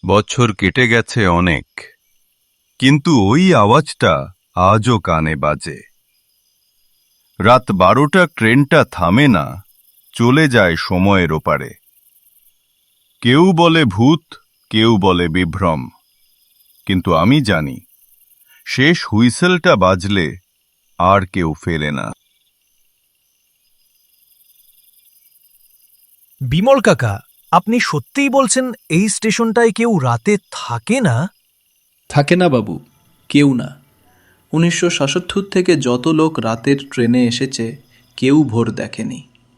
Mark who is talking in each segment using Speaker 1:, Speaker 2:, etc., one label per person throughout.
Speaker 1: বছর কেটে গেছে অনেক, কিন্তু ওই আওয়াজটা আজও কানে বাজে। রাত 12টা ট্রেনটা থামে না, চলে যায় সময়ের ওপারে। কেউ বলে ভূত, কেউ বলে বিভ্রম, কিন্তু আমি জানি শেষ হুইসেলটা বাজলে আর কেউ ফেরে না।
Speaker 2: বিমল কাকা, আপনি সত্যিই বলছেন এই স্টেশনটায় কেউ রাতে থাকে না?
Speaker 3: থাকে না বাবু, কেউ না। 1977 থেকে যত লোক রাতের ট্রেনে এসেছে কেউ ভোর দেখেনি।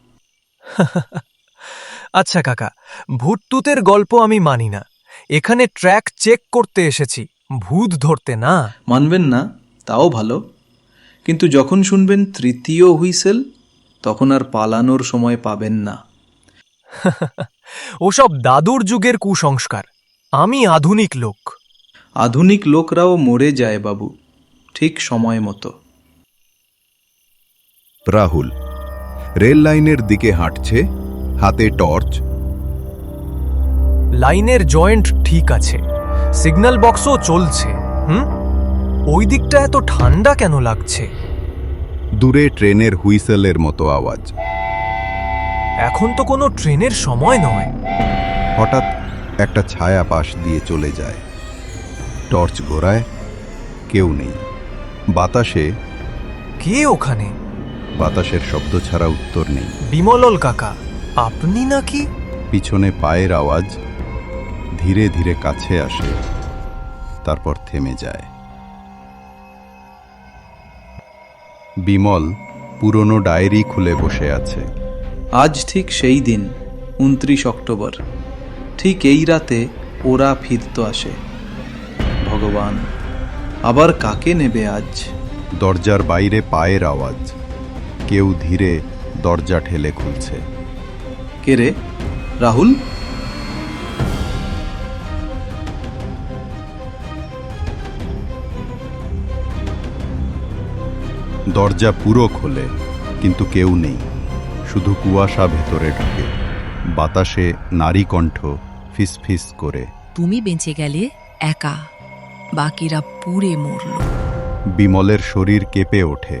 Speaker 2: আচ্ছা কাকা, ভূতটুতের গল্প আমি মানি না। এখানে ট্র্যাক চেক করতে এসেছি, ভূত ধরতে না।
Speaker 3: মানবেন না তাও ভালো, কিন্তু যখন শুনবেন তৃতীয় হুইসেল তখন আর পালানোর সময় পাবেন না।
Speaker 2: ওসব দাদুর যুগের কুসংস্কার। আমি আধুনিক লোক।
Speaker 3: আধুনিক লোকরাও মরে যায় বাবু, ঠিক সময় মতো।
Speaker 4: রাহুল রেল লাইনের দিকে হাঁটছে, হাতে টর্চ।
Speaker 2: লাইনের জয়েন্ট ঠিক আছে, সিগন্যাল বক্সও চলছে। ওই দিকটা এত ঠান্ডা কেন লাগছে?
Speaker 4: দূরে ট্রেনের হুইসেলের মতো আওয়াজ।
Speaker 2: এখন তো কোনো ট্রেনের সময় নয়।
Speaker 4: হঠাৎ একটা ছায়া পাশ দিয়ে চলে যায়। টর্চ ঘোরায়, কেউ নেই। বাতাসে
Speaker 2: কে ওখানে?
Speaker 4: বাতাসের শব্দ ছাড়া উত্তর নেই।
Speaker 2: বিমলল কাকা, আপনি নাকি?
Speaker 4: পিছনে পায়ের আওয়াজ ধীরে ধীরে কাছে আসে, তারপর থেমে যায়। বিমল পুরনো ডায়েরি খুলে বসে আছে।
Speaker 3: আজ ঠিক সেই দিন, 29 অক্টোবর। ঠিক এই রাতে ওরা ফিরত আসে। ভগবান, আবার কাকে নেবে আজ?
Speaker 4: দরজার বাইরে পায়ের আওয়াজ। কেউ ধীরে দরজা ঠেলে খুলছে।
Speaker 3: কে রে? রাহুল?
Speaker 4: দরজা পুরো খোলে, কিন্তু কেউ নেই। শুধু কুয়াশা ভেতরে ঢুকে। বাতাসে নারী কণ্ঠ ফিসফিস করে।
Speaker 5: তুমি বেঁচে গেলে একা, বাকিরা পুড়ে মরল।
Speaker 4: বিমলের শরীর কেঁপে ওঠে।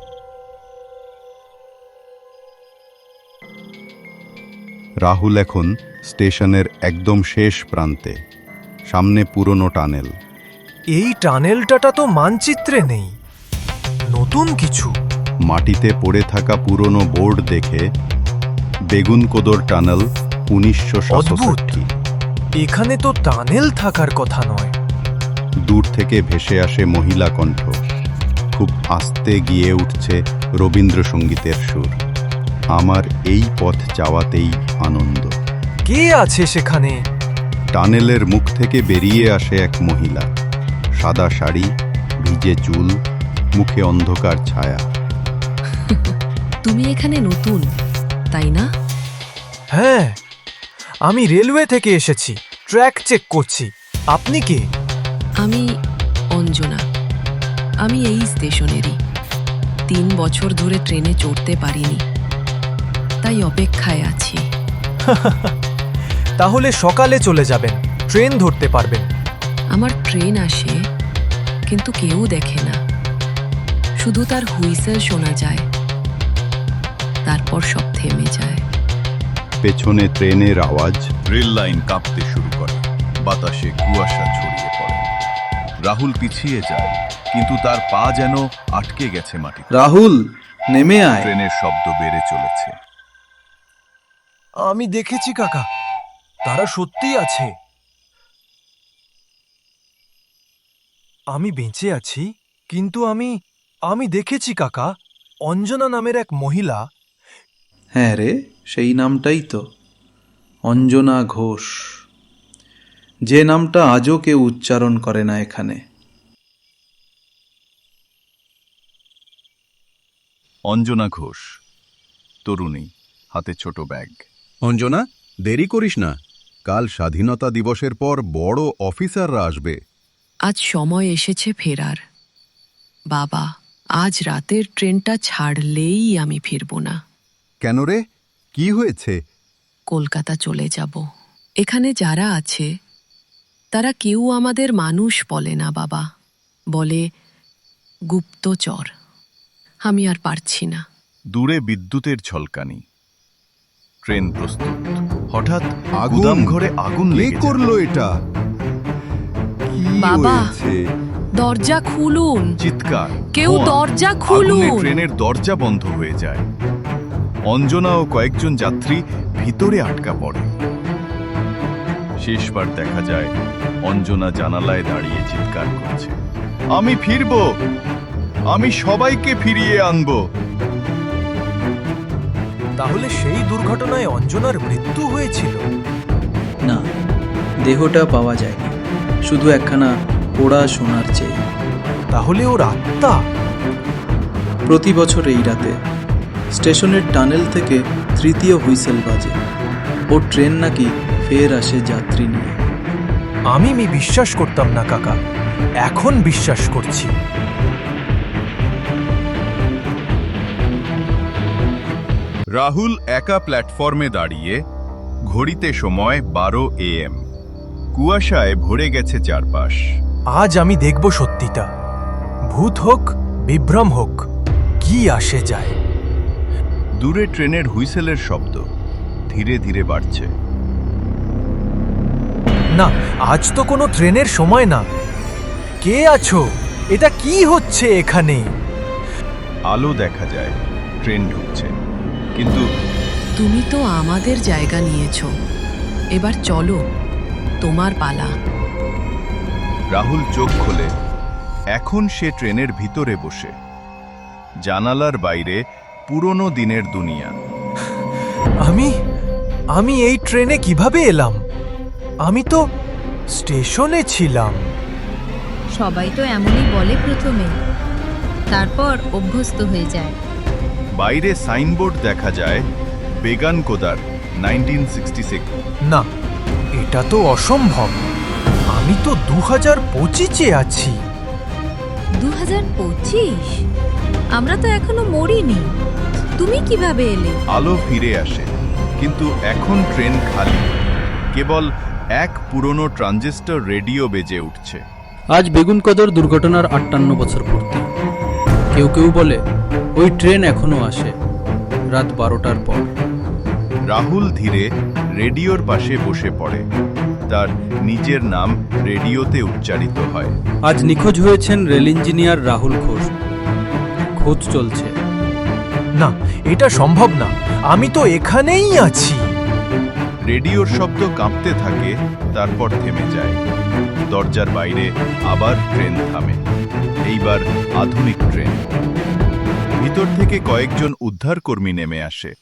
Speaker 4: রাহুল এখন স্টেশনের একদম শেষ প্রান্তে, সামনে পুরনো টানেল।
Speaker 2: এই টানেলটা তো মানচিত্রে নেই, নতুন কিছু।
Speaker 4: মাটিতে পড়ে থাকা পুরনো বোর্ড দেখে বেগুনকোদর টানেল, 1967।
Speaker 2: এখানে তো টানেল থাকার কথা নয়।
Speaker 4: দূর থেকে ভেসে আসে মহিলা কণ্ঠ। খুব আস্তে গিয়ে উঠছে রবীন্দ্রসঙ্গীতের সুর। আমার এই পথ যাওয়াতেই আনন্দ।
Speaker 2: কে আছে সেখানে?
Speaker 4: টানেলের মুখ থেকে বেরিয়ে আসে এক মহিলা। সাদা শাড়ি, ভিজে চুল, মুখে অন্ধকার ছায়া।
Speaker 5: তুমি এখানে নতুন, তাই না?
Speaker 2: হ্যাঁ, আমি রেলওয়ে থেকে এসেছি, ট্র্যাক চেক করছি। আপনি কে?
Speaker 5: আমি অঞ্জনা। আমি এই স্টেশনেরই। 3 বছর ধরে ট্রেনে চড়তে পারিনি, তাই অপেক্ষায় আছি।
Speaker 2: তাহলে সকালে চলে যাবেন, ট্রেন ধরতে পারবেন।
Speaker 5: আমার ট্রেন আসে, কিন্তু কেউ দেখে না। শুধু তার হুইসেল শোনা যায়, তারপর সব থেমে যায়।
Speaker 4: পেছনে ট্রেনের আওয়াজ।
Speaker 1: রেল লাইন কাঁপতে শুরু করে, বাতাসে কুয়াশা ছড়িয়ে পড়ে। রাহুল পিছিয়ে যায়, কিন্তু তার পা যেন আটকে গেছে মাটিতে।
Speaker 3: রাহুল, নেমে আয়।
Speaker 1: ট্রেনের শব্দ বেড়ে চলেছে।
Speaker 2: আমি দেখেছি কাকা, তারা সত্যিই আছে। আমি বেঁচে আছি, কিন্তু আমি দেখেছি কাকা, অঞ্জনা নামের এক মহিলা।
Speaker 3: হ্যাঁ রে, সেই নামটাই তো, অঞ্জনা ঘোষ। যে নামটা আজও কেউ উচ্চারণ করে না এখানে।
Speaker 1: অঞ্জনা ঘোষ, তরুণী, হাতে ছোট ব্যাগ।
Speaker 4: অঞ্জনা, দেরি করিস না। কাল স্বাধীনতা দিবসের পর বড় অফিসাররা আসবে।
Speaker 5: আজ সময় এসেছে ফেরার। বাবা, আজ রাতের ট্রেনটা ছাড়লেই আমি ফিরব না।
Speaker 4: কেন রে, কি হয়েছে?
Speaker 5: কলকাতা চলে যাব। এখানে যারা আছে তারা কেউ আমাদের মানুষ বলে না বাবা, বলে গুপ্তচর। আমি আর পারছি না।
Speaker 1: দূরে বিদ্যুতের ঝলকানি। ট্রেন প্রস্তুত। হঠাৎ
Speaker 4: আগুন!
Speaker 1: গুদাম ঘরে আগুন
Speaker 4: কে
Speaker 1: লেগে যায়।
Speaker 4: করলো এটা? কি
Speaker 5: বাবা!
Speaker 4: হয়েছে?
Speaker 5: দরজা খুলুন,
Speaker 1: চিৎকার,
Speaker 5: কেউ
Speaker 1: ধোঁয়া।
Speaker 5: দরজা
Speaker 1: আগুনে
Speaker 5: খুলুন।
Speaker 1: ট্রেনের দরজা বন্ধ হয়ে যায়। অঞ্জনা ও কয়েকজন যাত্রী ভিতরে আটকা পড়ে। শেষবার দেখা যায় অঞ্জনা জানালায় দাঁড়িয়ে চিৎকার করছে, আমি ফিরব, আমি সবাইকে ফিরিয়ে আনবো।
Speaker 2: তাহলে সেই দুর্ঘটনায় অঞ্জনার মৃত্যু হয়েছিল?
Speaker 3: না, দেহটা পাওয়া যায়নি, শুধু একখানা পোড়া সোনার চেয়ে।
Speaker 2: তাহলে ওর আত্মা?
Speaker 3: প্রতি বছর এই রাতে স্টেশনের টানেল থেকে তৃতীয় হুইসেল বাজে। ও ট্রেন নাকি ফের আসে যাত্রী নিয়ে।
Speaker 2: আমি বিশ্বাস করতাম না কাকা, এখন বিশ্বাস করছি।
Speaker 1: রাহুল একা প্ল্যাটফর্মে দাঁড়িয়ে, ঘড়িতে সময় 12 AM। কুয়াশায় ভরে গেছে চারপাশ।
Speaker 2: আজ আমি দেখব সত্যিটা। ভূত হোক, বিভ্রম হোক, কি আসে যায়।
Speaker 1: দূরে ট্রেনের হুইসেলের শব্দ ধীরে ধীরে বাড়ছে।
Speaker 2: না, আজ তো কোনো ট্রেনের সময় না। কে আছো? এটা কি হচ্ছে এখানে?
Speaker 1: আলো দেখা যায়, ট্রেন ঢুকছে, কিন্তু
Speaker 5: তুমি তো আমাদের জায়গা নিয়েছো, এবার চলো, তোমার পালা।
Speaker 1: রাহুল চোখ খোলে। এখন সে ট্রেনের ভিতরে বসে। জানালার বাইরে পুরনো দিনের দুনিয়া।
Speaker 2: আমি এই ট্রেনে কিভাবে এলাম? আমি তো স্টেশনে ছিলাম।
Speaker 6: সবাই তো এমনই বলে প্রথমে, তারপর অভ্যস্ত হয়ে যায়।
Speaker 1: বাইরে সাইনবোর্ড দেখা যায়, বেগান কোদার 1966।
Speaker 2: না, এটা তো অসম্ভব। আমি তো 2025-এ আছি।
Speaker 6: 2025? আমরা তো এখনো মরিনি। তুমি কিভাবে এলে?
Speaker 1: আলো ফিরে আসে, কিন্তু এখন ট্রেন খালি। কেবল এক পুরনো ট্রানজিস্টর রেডিও বেজে উঠছে।
Speaker 7: আজ বেগুনকদর দুর্ঘটনার 58 বছর পূর্তি। কেউ কেউ বলে ওই ট্রেন এখনো আসে রাত 12টার পর।
Speaker 1: রাহুল ধীরে রেডিওর পাশে বসে পড়ে। তার নিজের নাম রেডিওতে উচ্চারিত হয়।
Speaker 7: আজ নিখোঁজ হয়েছেন রেল ইঞ্জিনিয়ার রাহুল ঘোষ। খোঁজ চলছে।
Speaker 2: না, এটা সম্ভব না। আমি তো এখানেই আছি।
Speaker 1: রেডিওর শব্দ কাঁপতে থাকে, তারপর থেমে যায়। দরজার বাইরে আবার ট্রেন থামে। এইবার আধুনিক ট্রেন। ভিতর থেকে কয়েকজন উদ্ধারকর্মী নেমে আসে।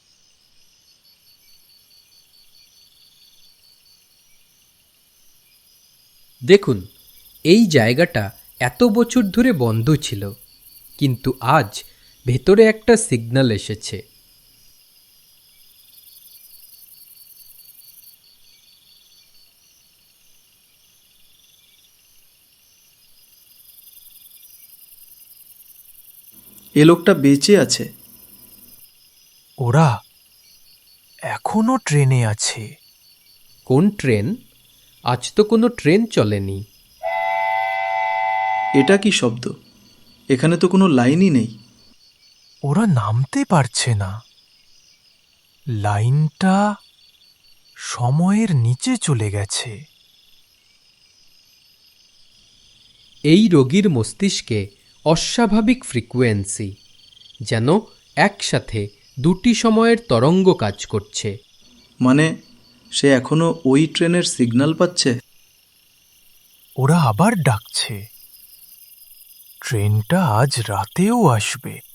Speaker 8: দেখুন, এই জায়গাটা এত বছর ধরে বন্ধ ছিল, কিন্তু আজ ভেতরে একটা সিগন্যাল এসেছে।
Speaker 3: এ লোকটা বেঁচে আছে।
Speaker 2: ওরা এখনো ট্রেনে আছে।
Speaker 8: কোন ট্রেন? আজ তো কোনো ট্রেন চলেনি।
Speaker 3: এটা কি শব্দ? এখানে তো কোনো লাইনই নেই।
Speaker 2: ওরা নামতে পারছে না। লাইনটা সময়ের নিচে চলে গেছে।
Speaker 8: এই রোগীর মস্তিষ্কে অস্বাভাবিক ফ্রিকোয়েন্সি, যেন একসাথে দুটি সময়ের তরঙ্গ কাজ করছে।
Speaker 3: মানে সে এখনো ওই ট্রেনের সিগন্যাল পাচ্ছে।
Speaker 2: ওরা আবার ডাকছে। ট্রেনটা আজ রাতেও আসবে।